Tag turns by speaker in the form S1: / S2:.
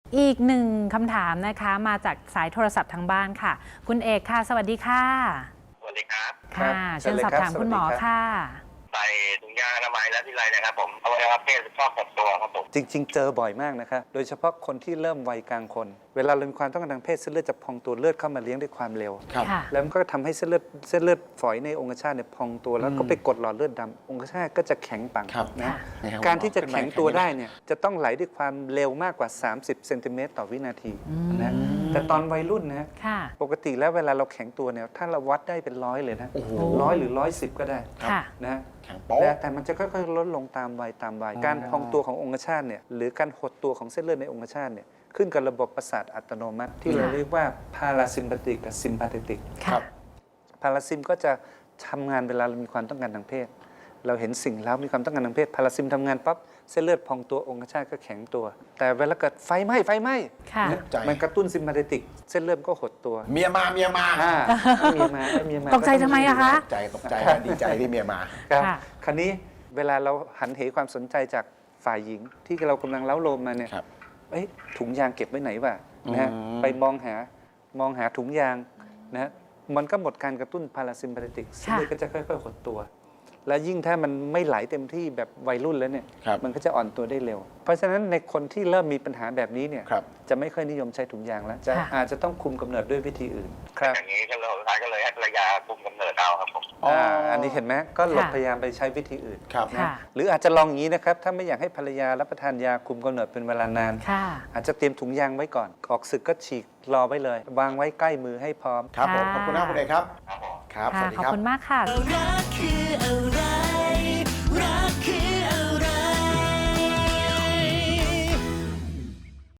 S1: อีกหนึ่งคำถามนะคะมาจากสายโทรศัพท์ทางบ้านค่ะคุณเอกค่ะสวัสดีค่ะ
S2: สวัสดีครับ
S1: ค่ะเชิญสอบถามคุณหมอค่ะ
S2: ใส่ถุงยางอนามัยแล้วที่ไรนะครับผมอวัยวะเพศชอบหดตัวครับผม
S3: จริงๆเจอบ่อยมากนะคะโดยเฉพาะคนที่เริ่มวัยกลางคนเวลาเรามีความต้องการทางเพศเส้นเลือดจะพองตัวเลือดเข้ามาเลี้ยงด้วยความเร็วแล้วมันก็ทำให้เส้นเลือดฝอยในองคชาตเนี่ยพองตัวแล้วก็ไปกดหลอดเลือดดำองคชาตก็จะแข็งปังนะการที่จะแข็งตัวได้เนี่ยจะต้องไหลด้วยความเร็วมากกว่า 30 เซนติเมตรต่อวินาทีนะแต่ตอนวัยรุ่นนะปกติแล้วเวลาเราแข็งตัวเนี่ยถ้าเราวัดได้เป็น100เลยนะ100หรือ110ก็ได้นะแต่มันจะค่อยๆลดลงตามวัยการพองตัวขององคชาตเนี่ยหรือการหดตัวของเส้นเลือดในองคชาตเนี่ยขึ้นกับระบบประสาทอัตโนมัติที่เราเรียกว่าพาราซิมพาติกกับซิมพาติกพาราซิมก็จะทำงานเวลาเรามีความต้องการทางเพศเราเห็นสิ่งแล้วมีความต้องการทางเพศพาราซิมทำงานปั๊บเส้นเลือดพองตัวองคชาตก็แข็งตัวแต่เวลาเกิดไฟไหม้มันกระตุ้นซิมพาติกเส้นเลือดก็หดตัว
S4: เมียมาเมียมา
S1: ตกใจทำไมอะคะ
S4: ตกใจดีใจที่เมียมา
S3: คราวนี้เวลาเราหันเหความสนใจจากฝ่ายหญิงที่เรากำลังเล้าโลมมาเนี่ยถุงยางเก็บไว้ไหนวะนะไปมองหาถุงยางนะมันก็หมดการกระตุ้นพาราซิมพาติกเส้นเลือดก็จะค่อยๆหดตัวและยิ่งถ้ามันไม่ไหลเต็มที่แบบวัยรุ่นแล้วเนี่ยมันก็จะอ่อนตัวได้เร็วเพราะฉะนั้นในคนที่เริ่มมีปัญหาแบบนี้เนี่ยจะไม่ค่อยนิยมใช้ถุงยางแล้วอาจจะต้องคุมกำเนิดด้วยวิธีอื่น
S2: ครับอย่างนี้ก็เลยให้ภรรยาคุมกำเนิดเอาครับผม
S3: อันนี้เห็นไหมก็หลบพยายามไปใช้วิธีอื่นนะหรืออาจจะลองอย่างนี้นะครับถ้าไม่อยากให้ภรรยารับประทานยาคุมกำเนิดเป็นเวลานานอาจจะเตรียมถุงยางไว้ก่อนออกศึกก็ฉีกรอไว้เลยวางไว้ใกล้มือให้พร้อม
S4: ครับผมขอบคุณมากคุณเอกครับ
S1: ครับสวัสดีครับขอบคุณมากค่ะ